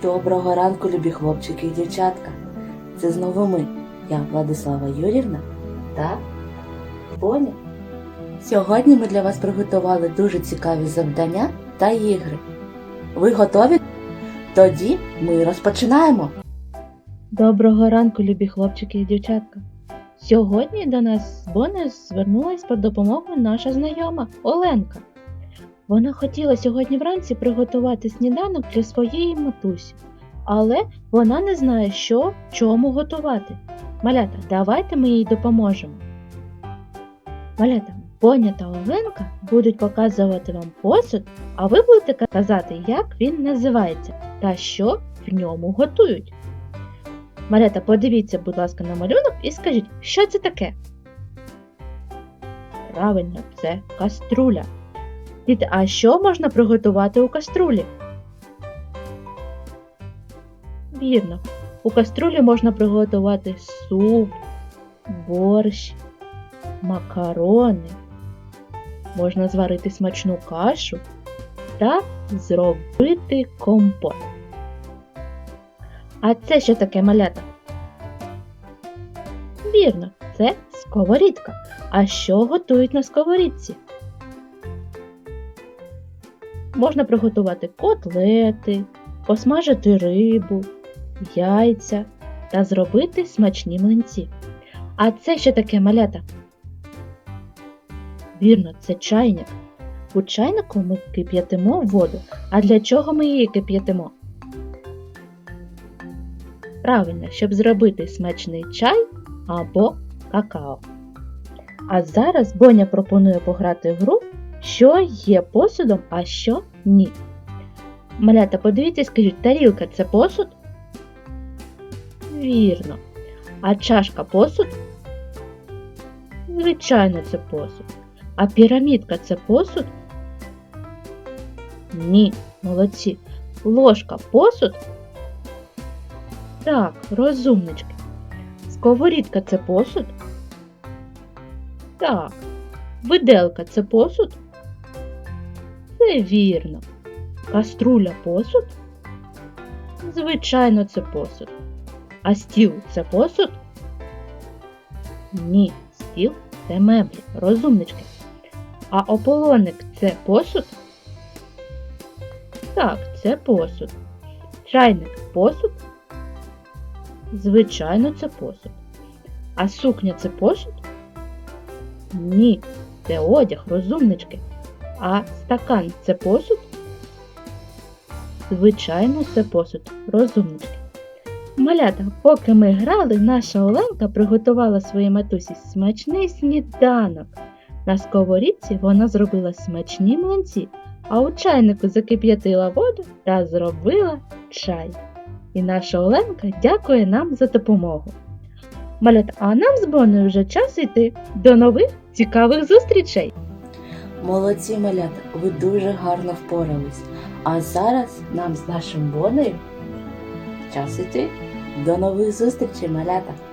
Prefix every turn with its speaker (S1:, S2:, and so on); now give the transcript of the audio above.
S1: Доброго ранку, любі хлопчики і дівчатка. Це знову ми, я Владислава Юрівна та Боня. Сьогодні ми для вас приготували дуже цікаві завдання та ігри. Ви готові? Тоді ми розпочинаємо.
S2: Доброго ранку, любі хлопчики і дівчатка. Сьогодні до нас з Бонею звернулась по допомогу наша знайома Оленка. Вона хотіла сьогодні вранці приготувати сніданок для своєї матусі, але вона не знає, що чому готувати. Малята, давайте ми їй допоможемо. Малята, Боня та Оленка будуть показувати вам посуд, а ви будете казати, як він називається та що в ньому готують. Малята, подивіться, будь ласка, на малюнок і скажіть, що це таке? Правильно, це каструля. Діти, а що можна приготувати у каструлі? Вірно, у каструлі можна приготувати суп, борщ, макарони, можна зварити смачну кашу та зробити компот. А це що таке, малята? Вірно, це сковорідка. А що готують на сковорідці? Можна приготувати котлети, посмажити рибу, яйця та зробити смачні млинці. А це що таке, малята? Вірно, це чайник. У чайнику ми кип'ятимо воду. А для чого ми її кип'ятимо? Правильно, щоб зробити смачний чай або какао. А зараз Боня пропонує пограти в гру, що є посудом, а що ні. Малята, подивіться і скажіть, тарілка – це посуд? Вірно. А чашка – посуд? Звичайно, це посуд. А пірамідка – це посуд? Ні, молодці. Ложка – посуд? Так, розумнички. Сковорідка – це посуд? Так. Виделка – це посуд? Це вірно. Каструля – посуд? Звичайно, це посуд. А стіл – це посуд? Ні, стіл – це меблі, розумнички. А ополоник – це посуд? Так, це посуд. Чайник – посуд? Звичайно, це посуд. А сукня – це посуд? Ні, це одяг, розумнички. А стакан – це посуд? Звичайно, це посуд, розумнички. Малята, поки ми грали, наша Оленка приготувала своїй матусі смачний сніданок. На сковорідці вона зробила смачні млинці, а у чайнику закип'ятила воду та зробила чай. І наша Оленка дякує нам за допомогу. Малята, а нам з Бонею вже час йти. До нових цікавих зустрічей!
S1: Молодці, малята, ви дуже гарно впорались. А зараз нам з нашим Бонею час іти. До нових зустрічей, малята!